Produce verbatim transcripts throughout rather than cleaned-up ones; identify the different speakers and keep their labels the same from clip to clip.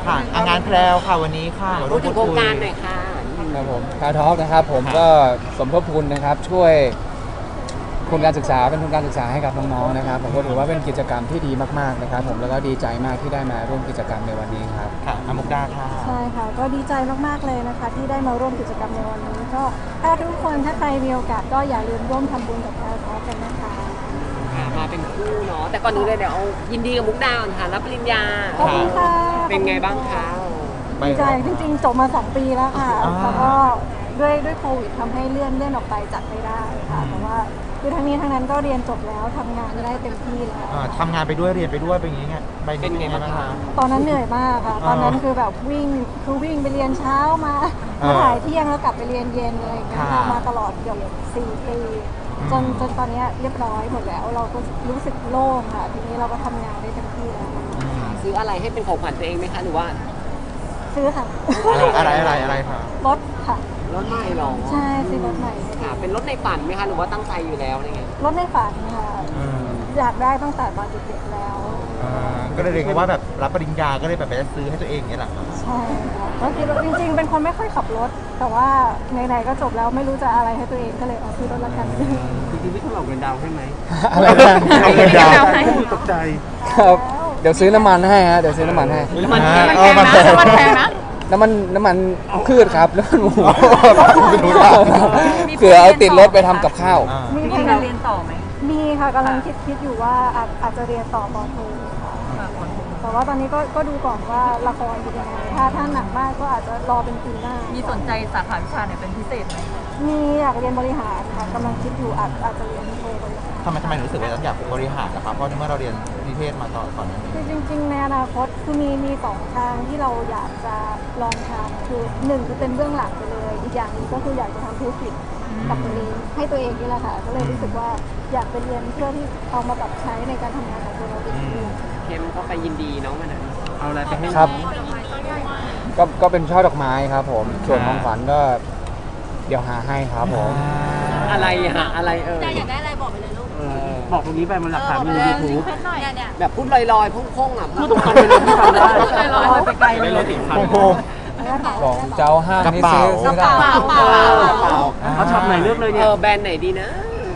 Speaker 1: ค่ะอ่ะงานแพรวค่ะวันนี้ค่ะมาร่
Speaker 2: พู
Speaker 1: ว
Speaker 2: ด
Speaker 1: ม
Speaker 2: ถึ
Speaker 1: พู
Speaker 2: ง
Speaker 1: ด
Speaker 2: โครง
Speaker 1: คุย
Speaker 2: การหน่อยค่ะ
Speaker 3: ครับผมคาทอล์กนะครับผมก็สมทบทุนนะครับช่วยทุนการศึกษาเป็นทุนการศึกษาให้กับน้องๆนะครับผมก็ถือว่าเป็นกิจกรรมที่ดีมากๆนะครับผมแล้วก็ดีใจมากที่ได้มาร่วมกิจกรรมในวันนี้ครับ
Speaker 1: ค่ะอามุกดาค่ะ
Speaker 4: ใช่ค่ะก็ดีใจมากๆเลยนะคะที่ได้มาร่วมกิจกรรมในวันนี้ก็ถ้าทุกคนถ้าใครมีโอกาสก็อย่าลืมร่วมทำบุญกับเราท้อกันนะคะ
Speaker 2: มาเป็นคู่เนาะแต่ก่อนอื่นเลยเดี๋ยวเอายินดีกับมุกดาก่อนค่ะรับปริญญา
Speaker 4: ขอบคุณค่ะ
Speaker 2: เป็นไงบ้างคะ
Speaker 4: ดีใจจริงๆจบมาสองปีแล้วค่ะ
Speaker 1: อ่า
Speaker 4: แล้วก็ด้วยด้วยโควิดทำให้เลื่อนเลื่อนออกไปจัดไม่ได้ค่ะแต่ว่าคือทั้งนี้ทั้งนั้นก็เรียนจบแล้วทำงานได้เต็มที่แล้ว
Speaker 1: อ่าทำงานไปด้วยเรียนไปด้วยเป็นอย่างงี้ไงใบ
Speaker 2: เป็นไงบ้างคะ
Speaker 4: ตอนนั้นเหนื่อยมากค่ะ ตอนนั้นคือแบบวิ่งคือวิ่งไปเรียนเช้ามามาถ่ายเที่ยงแล้วกลับไปเรียนเย็นอะไรอย่างเงี้ยค่ะมาตลอดเกือบสี่ปีจนจนตอนนี้เรียบร้อยหมดแล้ว เราก็รู้สึกโล่งค่ะ ทีนี้เราก็ทำงานได้เต็มที่แล้ว
Speaker 2: ซื้ออะไรให้เป็นของขวัญตัวเองไหมคะหรือว่า
Speaker 4: ซื้อค่ะ
Speaker 1: อะไรอะไรอะไรค่ะ
Speaker 4: รถค่ะ
Speaker 2: รถใหม่หรอ
Speaker 4: ใช่ซื้อรถใหม่
Speaker 2: ค่ะเป็นรถในฝันไหมคะหรือว่าตั้งใจอยู่แล้วอะไรเงี้ย
Speaker 4: รถในฝันค่ะ
Speaker 1: อืม
Speaker 4: อยากได้ตั้งแต่ตอนเด็กๆแล้ว
Speaker 1: อ่าก็เลยเรียกว่าแบบรับปริญญาก็เลยแบบไปซื้อให้ตัวเองอย่างเงี้ยแหละครับ
Speaker 4: ใช่ค่ะก็คิดว่าจริงๆ เป็นคนไม่ค่อยขับรถ แต่ว่าไหนๆก็จบแล้วไม่รู้จะอะไรให้ตัวเองก็เลยเอาซื้อรถละกัน
Speaker 2: จริงๆพี่ต้องหลอกเงินดาวให้ไหม
Speaker 3: อะไรนะ
Speaker 1: เอาเงินดาว
Speaker 2: ตกใจ
Speaker 3: ครับเดี๋ยวซื้อน้ำมันให้ฮะเดี๋ยวซื้อน้ำมันให้
Speaker 2: มัน
Speaker 1: อ่า
Speaker 2: มัน
Speaker 1: เออมัน
Speaker 2: แพงนะมันแพงนะ
Speaker 3: น้ำมันน้ำมันพืชครับน้ำมันหมู
Speaker 1: ไม่รู้ละ
Speaker 3: เผื่อเอาติดรถไปทำกับข้าว
Speaker 1: อ่า
Speaker 4: มี
Speaker 5: มี
Speaker 4: แผ
Speaker 5: การ
Speaker 4: น
Speaker 5: เรียนต่อไหม
Speaker 4: มีค่ะกำลังคิดคิดอยู่ว่าอาจอาจจะเรียนต่อปอโทค่ะแต่ว่าตอนนี้ก็ก็ดูก่อนว่าละครเป็นยังไงถ้าถ้าหนักมากก็อาจจะรอเป็นปีหน้า
Speaker 5: มี
Speaker 4: มี
Speaker 5: สนใจสาขาวิชาไหนเป็นพิเศษไหม
Speaker 4: มีอยากเรียนบริหารค่ะกำลังคิดอยู่อาจอาจจะเรียนโทบริหาร
Speaker 1: ทำไมทำไมถึงรู้สึกว่าอยากบริหารนะครับเพราะเมื่อเราเรียนนิเทศมาต่อก่อนหน้านี้
Speaker 4: คือจริงๆในอนาคตคือมีมีสองทางที่เราอยากจะลองทำคือหนึ่งคือเป็นเบื้องหลังไปเลย อีกอย่างหนึงก็คืออยากจะทำธุรกิจกับตัวเองให้ตัวเองนี่แหละค่ะก็เลยรู้สึกว่าอยากไปเรียนเพื่อที่เอามาปรับใช้ในการทำงานของตัวเราเอง
Speaker 2: เข้มก็ไปยินดีน้องมันนั้นเอาอะไรไปให้
Speaker 3: ครับ ก็ก็เป็นช่อดอกไม้ครับผม ส่วนของขวัญก็เดี๋ยวหาให้ครับผม
Speaker 2: อะไรอะอะไรเออ
Speaker 5: อยากได้อะไรบอกไปเลยลูก
Speaker 6: บอกตรงนี้ไปมันหลักฐานมีในยูทูบ
Speaker 5: เนี่ยเนี่ย
Speaker 2: แบบพูดลอยๆพุ่งๆอ่ะ
Speaker 6: พูดตรงๆไปเลยที่ฟังได้
Speaker 5: ลอยๆไปไกลเลย
Speaker 1: โอ้โห
Speaker 3: ของเจ้าห้างนี่ซื้อก
Speaker 1: ระ
Speaker 3: ซื้อได้
Speaker 1: เป๋า
Speaker 2: เปล่าเปล่า
Speaker 6: เขาช็อปไหนเลือกเลย
Speaker 2: เอ
Speaker 6: เนี่ย
Speaker 2: อแบรนด์ไหนดีนะ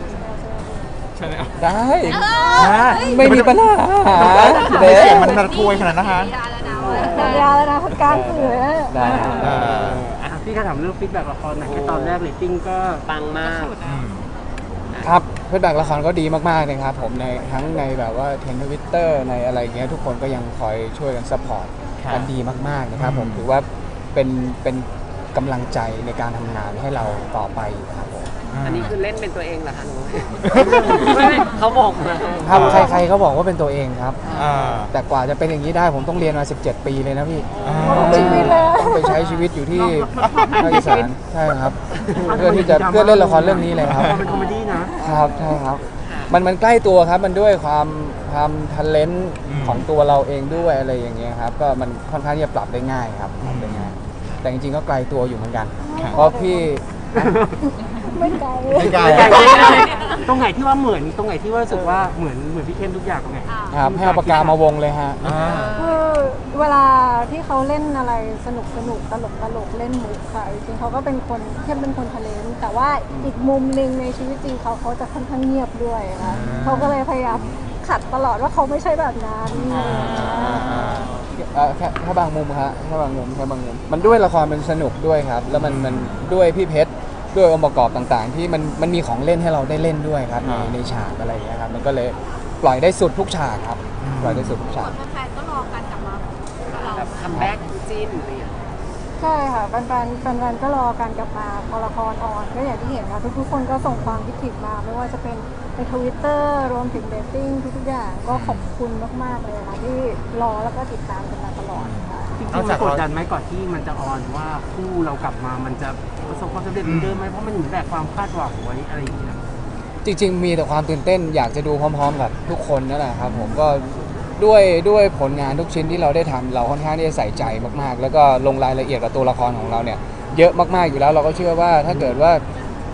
Speaker 3: ได้ไม่มีปัญหา
Speaker 1: เด็
Speaker 3: เด็
Speaker 1: เสียงมันระทวยขนาดนั้นนะคะ
Speaker 4: สัญญาแล้วนะคนกลางสื่อนะ
Speaker 3: ได้
Speaker 1: เออ
Speaker 6: อ่ะพี่ก็ถามเรื่องฟีดแบ็กละครหน่อยแค่ตอนแรกเรตติ้งก็
Speaker 2: ปังมาก
Speaker 1: อืม
Speaker 3: ครับฟีดแบ็กละครก็ดีมากๆนะครับผมในทั้งในแบบว่าเทรนด์ทวิตเตอร์ในอะไรอย่างเงี้ยทุกคนก็ยังคอยช่วยกันซัพพอร์ต
Speaker 1: ครับ
Speaker 3: กันดีมากๆนะครับผม
Speaker 1: อืม
Speaker 3: ถือว่าเป็นเป็นกำลังใจในการทำงานให้เราต่อไปครับผม
Speaker 2: อันนี้คือเล่นเป็นตัวเองเหรอคะหนูไม่ไม่เขาบอกมา
Speaker 3: ครับใครๆเขาบอกว่าเป็นตัวเองครับ
Speaker 1: อ่า
Speaker 3: แต่กว่าจะเป็นอย่างนี้ได้ผมต้องเรียนมาสิบเจ็ดปีเลยนะพี่
Speaker 1: อ่า
Speaker 3: ต้องไปต้องไปใช้ชีวิตอยู่ที่ภาคอีสานใช่ครับ เพื่อที่จะเพื่อเล่นละครเรื่องนี้เลยครับ
Speaker 6: ละครเป็นคอมเมดี้นะครับ
Speaker 3: ใช่ครับ มันมันใกล้ตัวครับ มันด้วยความความทันเลนของตัวเราเองด้วยอะไรอย่างเงี้ยครับ ก็มันค่อนข้างที่จะปรับได้ง่ายครับปรับได้ง่าย แต่จริงๆก็ไกลตัวอยู่เหมือนกัน เพราะพี่
Speaker 4: ไม่ไกล
Speaker 1: ไม่ไกล
Speaker 6: ตรงไหนที่ว่าเหมือนตรงไหนที่ว่ารู้สึกว่าเหมือนเหมือนพี่เข้มทุกอย่างตรงไหน
Speaker 3: ครับให้เอาปากกามาวงเลยฮะ
Speaker 1: อ่า
Speaker 4: คือเวลาที่เขาเล่นอะไรสนุกสนุกตลกตลกเล่นมุกค่ะจริงๆเขาก็เป็นคนเข้มเป็นคนทะเลนแต่ว่าอีกมุมหนึ่งในชีวิตจริงเขาเขาจะค่อนข้างเงียบด้วยค่ะเขาก็เลยพยายามขัดตลอดว่าเขาไม่ใช่แบบนั้นอะไรอย่างเงี้ย
Speaker 3: เอ่อแค่แค่บางมุมครับแค่บางมุมแค่บางมุม มันด้วยละครมันสนุกด้วยครับ แล้วมันมันด้วยพี่เพชรด้วยองค์ประกอบต่างๆ ที่มันมันมีของเล่นให้เราได้เล่นด้วยครับในในฉากอะไรอย่างเงี้ยครับมันก็เลยปล่อยได้สุดทุกฉากครับปล่อยได้สุดทุกฉาก
Speaker 5: แฟนๆก็รอการกลับมาของเรา
Speaker 2: แบบคัมแบ็กจิ้นอะไรอย่างเงี้ย
Speaker 4: ใช่ค่ะแฟนๆแฟนๆก็รอการกลับมาพอละครออนก็อย่างที่เห็นค่ะทุกๆคนก็ส่งความคิดถึงมาไม่ว่าจะเป็นในทวิตเตอร์รวมถึงเดตติ้งทุกๆอย่างก็ขอบคุณมากๆเลยค่ะที่รอแล้วก็ติดตามกันมาตลอดค่ะ
Speaker 6: จริงๆมันกดดันไหมก่อนที่มันจะออนว่าคู่เรากลับมามันจะประสบความสำเร็จเหมือนเดิมไหมเพราะมันเหมือนแบกความคาดหวังไว้อะไรอย่างเงี้ย
Speaker 3: จริงๆ มีแต่ความตื่นเต้นอยากจะดูพร้อมๆ กับทุกคนนั่นแหละครับผมก็ด้วยด้วยผลงานทุกชิ้นที่เราได้ทำเราค่อนข้างที่จะใส่ใจมากๆ แล้วก็ลงรายละเอียดกับตัวละครของเราเนี่ยเยอะมากๆอยู่แล้วเราก็เชื่อว่าถ้าเกิดว่า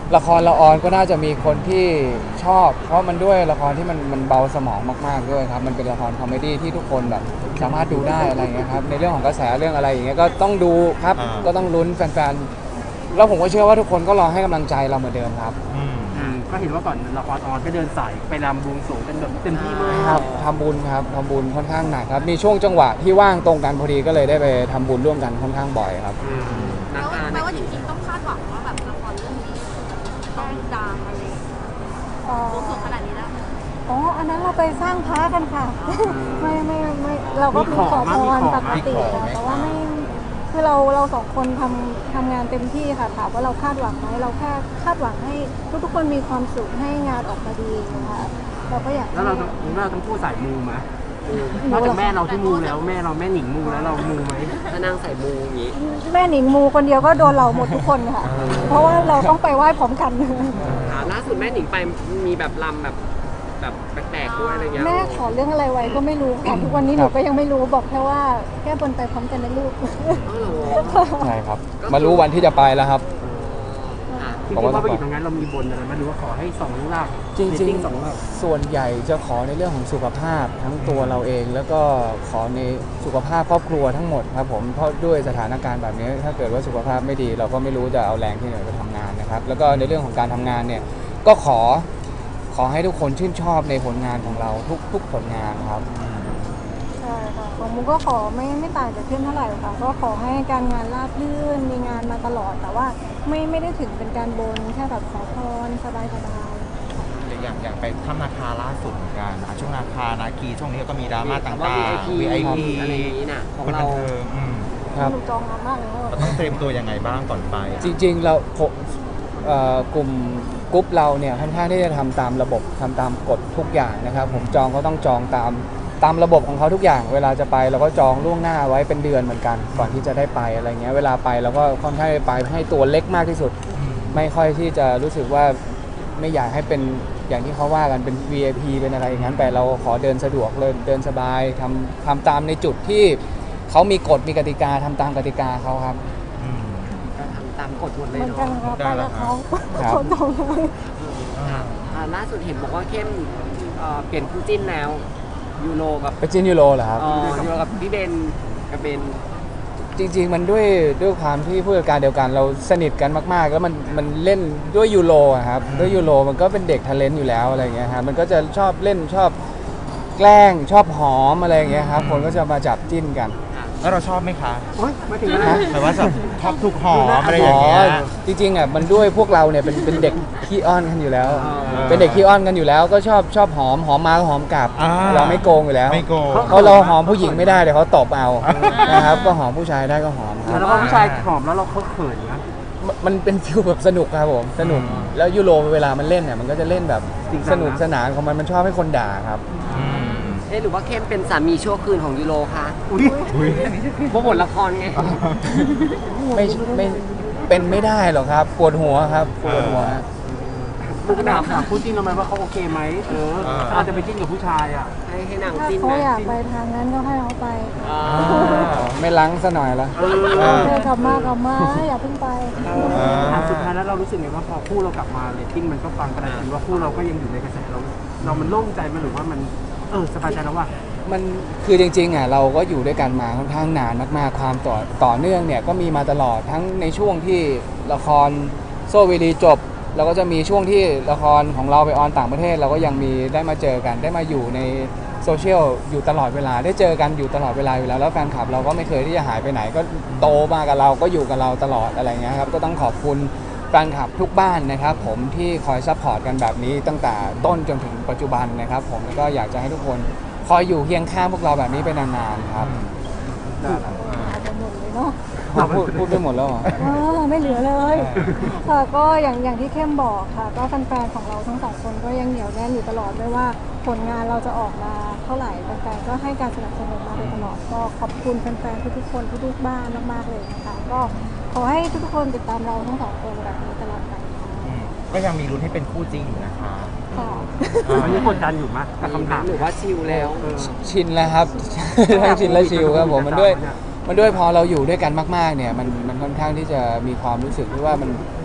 Speaker 3: ละครละออนก็น่าจะมีคนที่ชอบ เพราะมันด้วยละครที่มันมันเบาสมองมากๆด้วยครับมันเป็นละครคอมเมดี้ที่ทุกคนแบบสามารถดูได้อะไรอย่างเงี้ยครับในเรื่องของกระแสเรื่องอะไรอย่างเงี้ยก็ต้องดูครับก็ต้องลุ้นแฟนๆแล้วผมก็เชื่อว่าทุกคนก็รอให้กำลังใจเราเหมือนเดิมครับ
Speaker 1: อืม
Speaker 6: อืมก็เห็นว่าก่อนละครออนก็เดินสายไปรำบวงสรวงกันแบบเต็มที่มาก
Speaker 3: ครับทำบุญครับทำบุญค่อนข้างหนักครับมีช่วงจังหวะที่ว่างตรงกันพอดีก็เลยได้ไปทำบุญร่วมกันค่อนข้างบ่อยครับ
Speaker 6: อืม
Speaker 2: นั
Speaker 5: แล้
Speaker 2: ก
Speaker 5: ว
Speaker 2: การ
Speaker 5: แปล
Speaker 2: นัก
Speaker 5: ว่าจ
Speaker 2: ขี่
Speaker 5: ริงๆต้องคาดหวังว่าแบบละครเรื่องนี้ต้องดังอะไรโอ้สูงขนาดนี้แล้ว
Speaker 4: อ๋ออันนั้นเราไปสร้างพระกันค่ะ ไม่ไม่ไม่เราก็มีขอพรปกติค่ะแต่ว่าไม่คือเราเราสองคนทำทำงานเต็มที่ค่ะถามว่าเราคาดหวังไหมเราแค่คาดหวังให้ทุกทุกๆคนมีความสุขให้งานออกมาดีนะคะเราก็อยาก
Speaker 6: แล้วเราต้องแล้วเราต้องพูดสายมูไหมเออนอกจากแม่เราที่มูแล้วแม่เราแม่หนิงมูแล้วเรามูไหม
Speaker 2: ถ้านั่งใส่มูอย่างนี้
Speaker 4: แม่หนิงมูคนเดียวก็โดนเราหมดทุกคนค่ะ เพราะว่าเราต้องไปไหว้พร้อมกัน
Speaker 2: อ่าล่าสุดแม่หนิงไปมีแบบลำแบบแบบแปลกๆด้วยอะไรเงี้ย
Speaker 4: แม่ขอเรื่องอะไรไว้ก็ไม่รู้ค่ะทุกวันนี้หนูก็ยังไม่รู้บอกแค่ว่าแก้บนไปพร้อมกันนะลูก
Speaker 2: อ๋อเหรอ
Speaker 3: ใช่ครับมารู้วันที่จะไปแล้วครับ
Speaker 2: อ่ะ
Speaker 6: จริงๆพอไปอยู่ตรงนั้นเรามีบนอะไรไหมหรือว่าขอให้สองหลัก
Speaker 3: จริง
Speaker 6: เตติ้สองหลัก
Speaker 3: ๆ ส่วนใหญ่จะขอในเรื่องของสุขภาพทั้งตัวเราเอง แล้วก็ขอในสุขภาพครอบครัวทั้งหมดครับผมเพราะด้วยสถานการณ์แบบนี้ถ้าเกิดว่าสุขภาพไม่ดี เราก็ไม่รู้จะเอาแรงที่ไหนไปทำงานนะครับแล้วก็ในเรื่องของการทำงานเนี่ยก็ขอขอให้ทุกคนชื่นชอบในผลงานของเราทุกทุกผลงานครับ
Speaker 4: ใช่ค่ะของมุกก็ขอไม่ไม่ต่างจากเพื่อนเท่าไหร่ค่ะก็ขอให้การงานราบรื่นมีงานมาตลอดแต่ว่าไม่ไม่ได้ถึงเป็นการบนแค่แบบขอพรสบายสบาย
Speaker 1: อย่างอย่างไปถ้ำนาคาล่าสุดเหมือนกันอ่ะช่วงนาคานาคีช่วงนี้ก็มีดราม่าต่าง
Speaker 2: ว่า
Speaker 1: ๆ
Speaker 2: วี
Speaker 1: วี
Speaker 2: ไอ
Speaker 1: ไอ
Speaker 2: พี
Speaker 1: พี
Speaker 2: อะไรอย่างนี้น่ะของ
Speaker 1: คน
Speaker 2: เรา
Speaker 1: บันเทิงอืม
Speaker 3: ครับ
Speaker 4: หนูจองงานมากเลยว่า
Speaker 1: เราต้องเตรียมตัวยังไงบ้างก่อนไปอ่ะ
Speaker 3: จริงๆเราผมเอ่อกลุ่มกรุ๊ปเราเนี่ยค่อนข้างที่จะทำตามระบบทำตามกฎทุกอย่างนะครับผมจองก็ต้องจองตามตามระบบของเขาทุกอย่าง เวลาจะไปเราก็จองล่วงหน้าไว้เป็นเดือนเหมือนกันก่อนที่จะได้ไปอะไรเงี้ยเวลาไปเราก็ค่อนข้างไปให้ตัวเล็กมากที่สุด ไม่ค่อยที่จะรู้สึกว่าไม่อยากให้เป็นอย่างที่เขาว่ากันเป็น วี ไอ พี เป็นอะไรอย่างนั้นแต่เราขอเดินสะดวกเลยเดินสบายทำทำตามในจุดที่เขามีกฎมีกติกาทำตามกติกาเขาครับ
Speaker 1: อืม
Speaker 2: ก็ทำตามกฎหมดเล
Speaker 4: เห
Speaker 2: ย
Speaker 4: มือน
Speaker 2: เนาะ
Speaker 4: กันค่ะไปกับเขา
Speaker 3: ครับ
Speaker 4: เขาจองเลย
Speaker 2: ค่ะอ่าล่าสุดเห็นบอกว่าเข้มเอ่อเปลี่ยนคู่จิ้นแล้วยูโรกับ
Speaker 3: ไปจินยูโรเหรอครับ
Speaker 2: เอ่อยูโรกับพี่เบนกับเบน
Speaker 3: จริงๆ มันด้วยด้วยความที่ผู้จัดการเดียวกันเราสนิทกันมากๆ แล้วมันมันเล่นด้วยยูโรอะครับด้วยยูโรมันก็เป็นเด็กทะเลนต์อยู่แล้วอะไรเงี้ยครับมันก็จะชอบเล่นชอบแกล้งชอบหอมอะไรเงี้ยครับคนก็จะมาจับจิ้นกัน
Speaker 1: แล้วเราชอบไหมคะ
Speaker 6: โอ๊ยมาถึงแล้วนะ
Speaker 1: หมายว่าแบบชอบถูกหอมอะไรอย่างเงี้ย
Speaker 3: จริงๆอ่ะมันด้วยพวกเราเนี่ยเป็นเป็นเด็กขี้อ้อนกันอยู่แล้ว
Speaker 2: อ่า
Speaker 3: เป็นเด็กขี้อ้อนกันอยู่แล้ว ก็ชอบชอบหอมหอมมาก็หอมกลับ
Speaker 1: อ่า
Speaker 3: เราไม่โกงอยู่แล้ว
Speaker 1: ไม่โกง
Speaker 3: เขาเราหอมผู้หญิงไม่ได้เดี๋ยวเขาตบเอานะครับก็หอมผู้ชายได้ก็หอมครับ
Speaker 6: แล้วพอผู้ชายหอมแล้วเราเขาเขินนะ
Speaker 3: มันเป็นฟิลแบบสนุกครับผมสนุกแล้วยูโรเวลามันเล่นเนี่ยมันก็จะเล่นแบบ
Speaker 6: จริงจั
Speaker 3: ส
Speaker 6: งนะ
Speaker 3: นุกสนานของมันมันชอบให้คนด่าครับ
Speaker 1: อืม
Speaker 2: เอ๊ะหรือว่าเข้มเป็นสามีชั่วคืนของยูโรคะ
Speaker 6: อุ้ย
Speaker 1: อุ้ย
Speaker 2: เพราะบทละครไง
Speaker 3: ไม่ไม่เป็นไม่ได้หรอกครับปวดหัวครับปวดหัว
Speaker 6: มุกถามถามคู่จิ้นเราไหมว่าเขาโอเคไหมเออถ้าเราจะไปจิ้นกับผู้ชายอ่ะ
Speaker 2: ให้ให้นาง
Speaker 4: ถ้า
Speaker 2: จิ้น
Speaker 4: เขา
Speaker 2: นะ
Speaker 4: อยากไปทางนั้นก็ให้เขาไปค่ะ
Speaker 2: อ่า
Speaker 3: ไม่ล้างซะหน่อยละ
Speaker 6: เออ
Speaker 1: เออ
Speaker 4: เดินกลับมากลับมาอย่าเพิ่งไป
Speaker 6: ถามสุดท้ายแล้วเรารู้สึกไงว่าพอคู่เรากลับมาเรตติ้งมันก็ฟังกระดานว่าคู่เราก็ยังอยู่ในกระแสเรา เรามันโล่งใจไหมหรือว่ามันเออสบายใจแล้วว่า
Speaker 3: มันคือจริงๆอ่ะเราก็อยู่ด้วยกันมาค่อนข้างนานมากๆความต่อต่อเนื่องเนี่ยก็มีมาตลอดทั้งในช่วงที่ละครโซเวลีจบเราก็จะมีช่วงที่ละครของเราไปออนต่างประเทศ เราก็ยังมีได้มาเจอกันได้มาอยู่ในโซเชียลอยู่ตลอดเวลาได้เจอกันอยู่ตลอดเวลาอยู่แล้วแล้วแฟนคลับเราก็ไม่เคยที่จะหายไปไหนก็โตมากับเราก็อยู่กับเราตลอดอะไรเงี้ยครับก็ต้องขอบคุณแฟนคลับทุกบ้านนะครับผมที่คอยซัพพอร์ตกันแบบนี้ตั้งแต่ต้นจนถึงปัจจุบันนะครับผมแล้วก็อยากจะให้ทุกคนคอยอยู่เคียงข้างพวกเราแบบนี้ไปนานๆครับ
Speaker 4: อาจจะหมดเลยเนาะ
Speaker 3: พูดพูดไปหมดแล้วเหรอ
Speaker 4: เออไม่เหลือเลยค่ะก็อย่างอย่างที่เข้มบอกค่ะ ก็แฟนๆของเราทั้งสองคนก็ยังเหนียวแน่นอยู่ตลอดไม่ว่าผลงานเราจะออกมาเท่าไหร่แฟนๆก็ให้การสนับสนุนมาโดยตลอดก็ขอบคุณแฟนๆทุกๆคนทุกๆบ้านมากๆเลยนะคะก็ขอให้ทุกๆคนติดตามเราทั้งสองคนแบบนี้ตลอดไปค่ะ
Speaker 1: อืมก็ยังมีลุ้นให้เป็นคู่จริงอยู่นะคะ
Speaker 4: ค่ะ
Speaker 6: อันนี้กดดันอยู่มั้ยกับคำถาม
Speaker 2: หรือว่าชิลแล้ว
Speaker 6: เออ
Speaker 3: ชินแล้วครับ ทั้งชินและชิลครับผมมันด้วยมันด้วยพอเราอยู่ด้วยกันมากๆเนี่ยมันมันค่อนข้างที่จะมีความรู้สึกที่ว่ามัน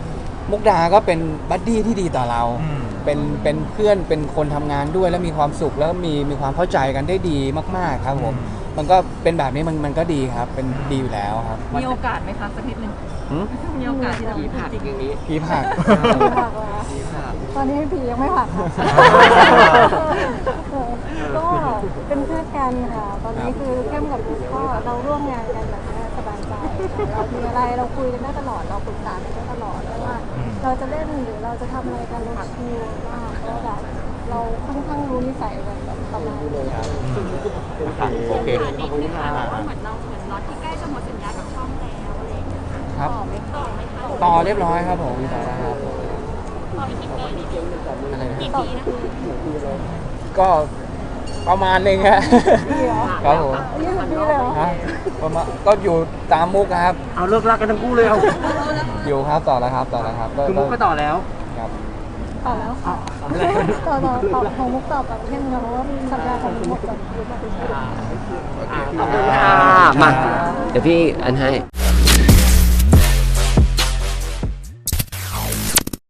Speaker 3: มุกดาก็เป็นบัดดี้ที่ดีต่อเรา
Speaker 1: อืม
Speaker 3: เป็นเป็นเพื่อนเป็นคนทำงานด้วยแล้วมีความสุขแล้วมีมีความเข้าใจกันได้ดีมากๆครับผมมันก็เป็นแบบนี้มันมันก็ดีครับเป็นดีอยู่แล้วครับ
Speaker 5: มีโอกาสไหมคะสักนิดนึง
Speaker 3: หืม
Speaker 5: มีโอกาสที่จะ
Speaker 2: ผีผักอย่างนี้
Speaker 3: ผีผัก
Speaker 4: ผีผักเหรอ
Speaker 2: ผีผัก
Speaker 4: ตอนนี้ผียังไม่ผักค่ะเออก็เป็นเพื่อนกันค่ะ ตอนนี้คือเข้มกับบุ๊กก็เราร่วมงานกันแบบนี้สบายใจเรามีอะไรเราคุยกันได้ตลอดเราปรึกษากันได้ตลอดไม่ว่า เราจะเล่นหรือเราจะทำอะไรกันเราชิลมากเพราะแบบเราค่อนข้างรู้นิสัยกันแบบประมาณนี้
Speaker 1: ค่ะโอเค
Speaker 5: ถามนิดนึงค่ะว่าเหมือนเราเหมือนล็อตที่ใกล้จะหมดสัญญากับช่องแล้วอะไรอย่างเงี้ย
Speaker 3: ครับ
Speaker 5: ต่อไหมต่อไหมคะ
Speaker 3: ต่อเรียบร้อยครับผมต่อแล้วครับ
Speaker 5: ต่ออีกกี่ปี
Speaker 3: อะไรนะ
Speaker 5: กี่ปีนะคะ
Speaker 3: ก็ประมาณหนึงฮะ
Speaker 4: ปีเหรอ
Speaker 3: ครับผม
Speaker 4: ยี่สิบปีเลยเหรอ
Speaker 3: ฮะประมาณก็อยู่ตามมุกครับ
Speaker 6: เอาเลิกรักกันทั้งคู่เลยเอา
Speaker 3: อยู่ครับต่อแล้วครับต่อแล้วครับ
Speaker 6: คือมุกก็ต่อแล้ว
Speaker 3: ครับ
Speaker 4: ต่อแล้วค่ะต่อต่อต่อของมุกต่อกับเข้มนะเพราะว่าสัญญาของมุกหมดก่อน
Speaker 2: ขอบคุณค่ะ มา เดี๋ยวพี่อันให้